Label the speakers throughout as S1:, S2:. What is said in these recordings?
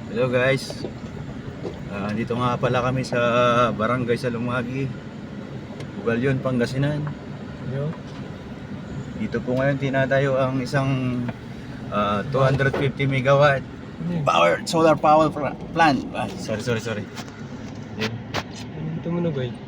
S1: Hello guys, dito nga pala kami sa Barangay Salumagi, Bugalyon, Pangasinan.
S2: Yo.
S1: Dito po ngayon tinatayo ang isang 250 megawatt solar power plant. Sorry. Yan.
S2: Ito mo na ba eh?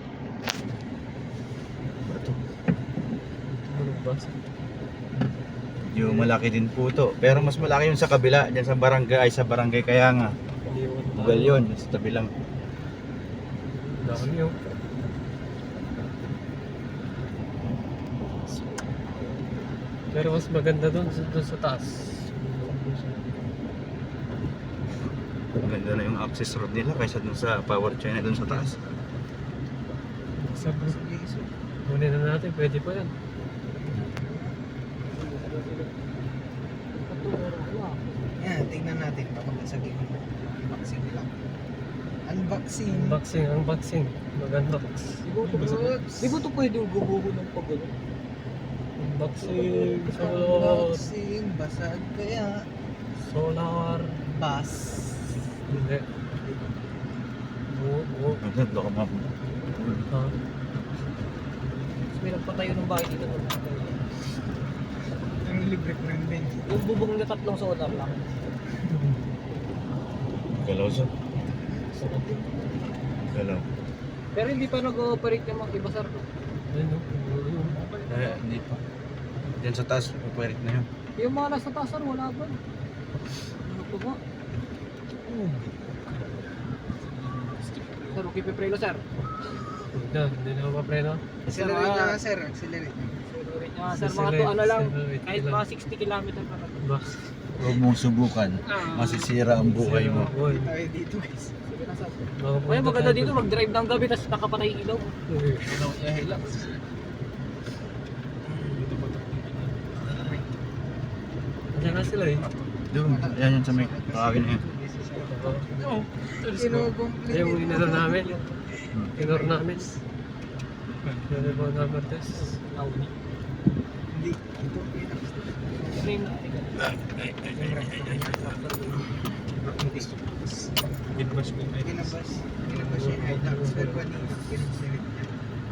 S2: Tumunog ba?
S1: Yung malaki din po to, pero mas malaki yung sa kabila, dyan sa barangay kaya nga. Bugalyon, sa tabi lang.
S2: Dami yun. Pero mas maganda doon sa taas.
S1: Maganda na yung access road nila kaysa dun sa power chain na dun sa taas.
S2: Sabi, kunin na natin, pwede pa yan.
S3: Yan, tingnan natin. Papakasagin mo. Unboxing lang. Unboxing.
S2: Unboxing. Mag-unbox.
S3: Di ba ito pwede yung gubuho ng pagulo?
S2: Unboxing. Solar.
S3: Unboxing. Basag kaya.
S2: Solar.
S3: Bas.
S2: Hindi. Oo.
S1: Baka
S2: Ha?
S3: May nagpatayo ng bahay dito. Ang libre ko rin din. Yung bubong na tatlong solar lang.
S1: Galaw siya. Galaw.
S3: Pero hindi pa nag-ooperate yung mga ibasar ko.
S2: Ayun,
S1: Hindi pa. Diyan sa taas, operate na yun.
S3: Yung mga nasa taas wala ba? Ano po ba? Sir, okay piprelo sir.
S2: Hindi na mapapreno.
S3: Accelerate niya sir, accelerate. Accelerate niya sir, mga to ano lang, kahit mga 60 km pa lang.
S2: Ba?
S1: Huwag mong subukan. Masisira ang buhay mo.
S2: Boy.
S3: Tayo dito guys. Sige na sir.
S2: Makapunta
S3: Kaya maganda
S2: tayo
S3: dito,
S2: doon.
S3: mag-drive ng gabi tapos nakapatay yung ilaw.
S1: Ano niya hilak?
S2: Diyan na sila eh.
S1: Doon, yan yun sa may kakawin na yun.
S3: Kinukomplete.
S2: Yung inano namin. Inor namin. Pwede po number test.
S3: Hindi. Ito
S1: Binabas ko na
S3: Kinabas siya yung Hilux pero kanina kinabasirit niya.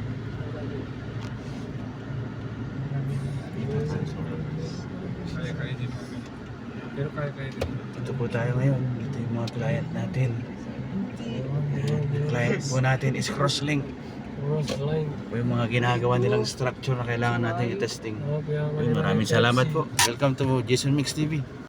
S2: Pero kaya din.
S1: Ito po tayo ngayon. Ito yung mga client natin. Yung client po natin is Crosslink.
S2: Cross line.
S1: O yung mga ginagawa nilang structure na kailangan natin i-testing.
S2: Oh, kaya nga
S1: Maraming salamat po. Welcome to Jason Mix TV.